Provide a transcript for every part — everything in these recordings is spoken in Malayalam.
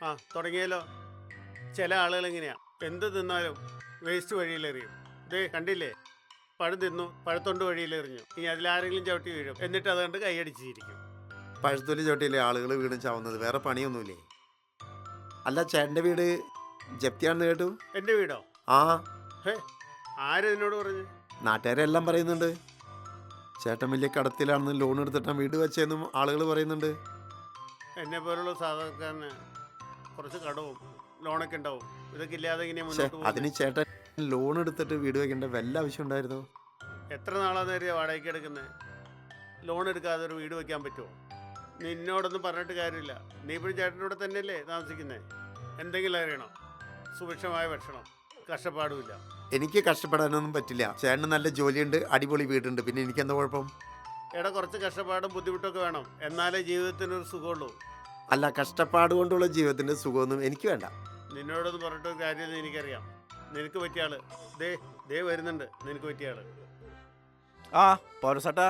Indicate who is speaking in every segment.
Speaker 1: തുടങ്ങിയല്ലോ. ചില ആളുകൾ എങ്ങനെയാ, എന്ത് തിന്നാലും വേസ്റ്റ് വഴിയിലെറിയും. ഇതേ കണ്ടില്ലേ, പഴം തിന്നു, പഴത്തൊണ്ട് വഴിയിലെറിഞ്ഞു. ഇനി അതിലാരെങ്കിലും ചവിട്ടി വീഴും, എന്നിട്ട് അതുകൊണ്ട് കൈയടിച്ചിരിക്കും.
Speaker 2: പഴുത്തൊലി ചോട്ടിയില്ലേ ആളുകൾ വീണ് ചാവുന്നത്? വേറെ പണിയൊന്നുമില്ലേ? അല്ല, ചേട്ടൻ്റെ വീട് ജപ്തിയാണെന്ന് കേട്ടു.
Speaker 1: എൻ്റെ വീടോ?
Speaker 2: ആ,
Speaker 1: ആരെന്നോട് പറഞ്ഞു?
Speaker 2: നാട്ടുകാരെല്ലാം പറയുന്നുണ്ട്. ചേട്ടൻ വലിയ കടത്തിലാണെന്ന്, ലോൺ എടുത്തിട്ടാണ് വീട് വെച്ചതെന്നും ആളുകൾ പറയുന്നുണ്ട്.
Speaker 1: എന്നെ പോലുള്ള സാധാരണക്കാരന് കുറച്ച് കടവും ലോണൊക്കെ ഉണ്ടാവും. ഇതൊക്കെ ഇല്ലാതെ ഇങ്ങനെ മുന്നോട്ട് പോകും.
Speaker 2: അതിന് ചേട്ടൻ ലോൺ എടുത്തിട്ട് വീട് വെക്കേണ്ട വല്ല ആവശ്യം ഉണ്ടായിരുന്നു?
Speaker 1: എത്ര നാളാന്ന് കരുതിയാ വാടകയ്ക്ക് എടുക്കുന്നത്? ലോൺ എടുക്കാതെ ഒരു വീട് വെക്കാൻ പറ്റുമോ? നിന്നോടൊന്നും പറഞ്ഞിട്ട് കാര്യമില്ല. നീ ഇപ്പോഴും ചേട്ടനോട് തന്നെയല്ലേ താമസിക്കുന്നത്? എന്തെങ്കിലും അറിയണം, സുഭിക്ഷമായ ഭക്ഷണം, കഷ്ടപ്പാടുമില്ല.
Speaker 2: എനിക്ക് കഷ്ടപ്പെടാനൊന്നും പറ്റില്ല. ചേട്ടന് നല്ല ജോലിയുണ്ട്, അടിപൊളി വീടുണ്ട്, പിന്നെ എനിക്കെന്താ കുഴപ്പം?
Speaker 1: എടാ, കുറച്ച് കഷ്ടപ്പാടും ബുദ്ധിമുട്ടൊക്കെ വേണം, എന്നാലേ ജീവിതത്തിനൊരു സുഖമുള്ളൂ.
Speaker 2: അല്ല, കഷ്ടപ്പാട് കൊണ്ടുള്ള ജീവിതത്തിൻ്റെ സുഖമൊന്നും എനിക്ക് വേണ്ട.
Speaker 1: നിന്നോടൊന്നും പറഞ്ഞിട്ടൊരു കാര്യമെന്ന് എനിക്കറിയാം. നിനക്ക് പറ്റിയ ആള് ദേ വരുന്നുണ്ട്. നിനക്ക് പറ്റിയ ആള്.
Speaker 3: ആ പൗരസട്ടാ,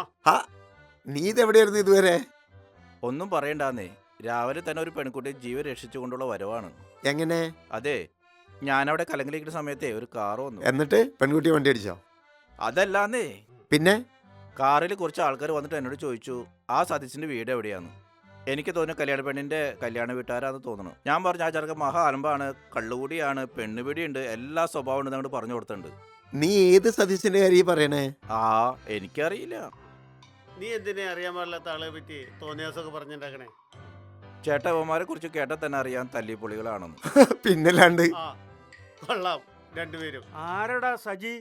Speaker 2: നീ ഇതെവിടെയായിരുന്നു ഇതുവരെ?
Speaker 3: ഒന്നും പറയണ്ടാന്നേ. രാവിലെ തന്നെ ഒരു പെൺകുട്ടി ജീവൻ രക്ഷിച്ചുകൊണ്ടുള്ള വരവാണ്.
Speaker 2: എങ്ങനെ?
Speaker 3: അതെ, ഞാനവിടെ കലങ്കിലിരിക്കുന്ന സമയത്തെ ഒരു കാറ് വന്നു.
Speaker 2: എന്നിട്ട് പെൺകുട്ടി വണ്ടി അടിച്ചോ?
Speaker 3: അതല്ലാന്നേ,
Speaker 2: പിന്നെ
Speaker 3: കാറിൽ കുറച്ച് ആൾക്കാർ വന്നിട്ട് എന്നോട് ചോദിച്ചു ആ സതീശിന്റെ വീട് എവിടെയാന്ന്. എനിക്ക് തോന്നുന്നു കല്യാണ പെണ്ണിന്റെ കല്യാണ വീട്ടുകാരാന്ന് തോന്നുന്നു. ഞാൻ പറഞ്ഞു ആ ചെറുക്കൻ മഹാ അലമ്പാണ്, കള്ളുകൂടിയാണ്, പെണ്ണുപിടിയുണ്ട്, എല്ലാ സ്വഭാവം ഉണ്ട് അങ്ങോട്ട് പറഞ്ഞു കൊടുത്തിട്ടുണ്ട്.
Speaker 2: നീ ഏത് സതീശന്റെ കാര്യം പറയണേ?
Speaker 3: എനിക്കറിയില്ല.
Speaker 1: നീ എന്തിനെ അറിയാൻ പാടില്ലാത്ത ആളെ പറ്റി തോന്നിയാസൊക്കെ പറഞ്ഞിട്ടുണ്ടാക്കണേ?
Speaker 3: ചേട്ടവന്മാരെ കുറിച്ച് കേട്ടാൽ തന്നെ അറിയാൻ തല്ലിപ്പൊളികളാണെന്ന്.
Speaker 2: പിന്നല്ലാണ്ട്.
Speaker 1: കൊള്ളാം രണ്ടുപേരും. ആരടാ സജി?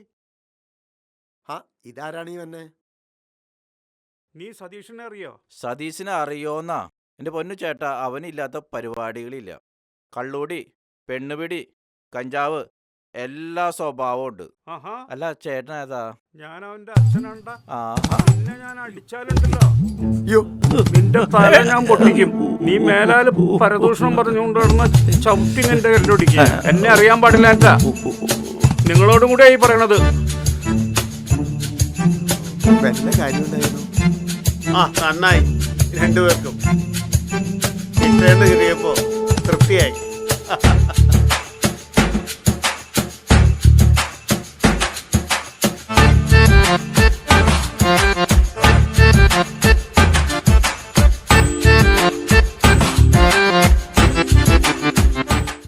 Speaker 2: ഇതാരാണ് ഈ വന്നെ?
Speaker 1: നീ സതീഷിനെ അറിയോ?
Speaker 3: സതീശിനെ അറിയോന്നാ? എന്റെ പൊന്നു ചേട്ടാ, അവനില്ലാത്ത പരിപാടികളില്ല. കള്ളൂടി, പെണ്ണുപിടി, കഞ്ചാവ്, എല്ലാ സ്വഭാവവും ഉണ്ട്. അല്ല ചേട്ടൻ ഏതാ?
Speaker 1: ഞാൻ അവന്റെ അച്ഛനുണ്ടാ. ഞാൻ അടിച്ചാലുണ്ടല്ലോ, നിന്റെ തല ഞാൻ പൊട്ടിക്കും. നീ മേലാല് പരദൂഷണം പറഞ്ഞുകൊണ്ടിരുന്ന ചവിട്ടി നിന്റെ കരണ്ടൊടിക്കും. എന്നെ അറിയാൻ പാടില്ല. എന്താ നിങ്ങളോടും കൂടെ ഈ പറയണത്?
Speaker 2: വല്ല കാര്യം ഉണ്ടായിരുന്നു.
Speaker 1: നന്നായി, രണ്ടുപേർക്കും കിട്ടേണ്ട കിട്ടിയപ്പോ തൃപ്തിയായി.